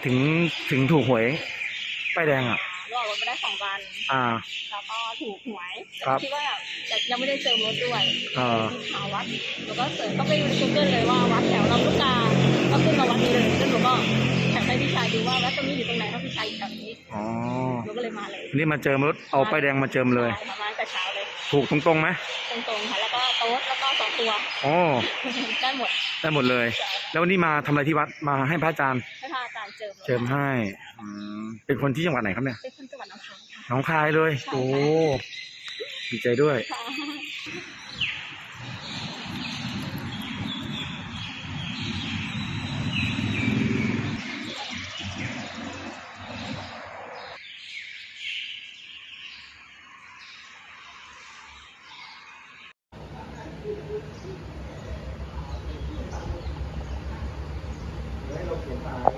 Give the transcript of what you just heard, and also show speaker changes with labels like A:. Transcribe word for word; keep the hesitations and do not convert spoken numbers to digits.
A: ถึงถึงถูกหวยป้ายแดงอ่ะ
B: รอดรถไม่ได้สองวัน
A: อ่า
B: แล้วก็ถูกหวย
A: ครับ
B: คิดว่าแต่ยังไม่ได้เจอรถด้วย
A: อ่า
B: ที่หาวัดแล้วก็เสิร์ชก็ไปดูใน Google เลยว่าวัดแถวลำลูกกาก็ขึ้นมาวัดนี้เลยแล้วหนูก็แท็กให้พี่ชายดูว่าวัดตรงนี้อยู่ตรงไหนเพราะพี่ชายอยู่แถวนี้
A: อ๋อ
B: หนูก็เลยมาเลย
A: นี่มาเจิมรถเอาป้ายแดงมาเจิมเลย
B: มาตั้งแต่เช้าเลย
A: ถูกตรงๆไหม
B: ตรงๆค่ะแล้วก็โต๊ะแล้วก็สองตัว
A: อ๋อ
B: ได้หมด
A: ได้หมดเลยแล้ววันนี้มาทำอะไรที่วัดมาให้พระอาจารย์
B: ให้พระอาจารย์เจิม
A: เจิมให้อืมเป็นคนที่จังหวัดไหนครับเนี่ย
B: เป็นคนจังหวัดหนองคายค่ะ
A: หนองคายเลยโอ้ดีใจด้วยให้เราเขียนมา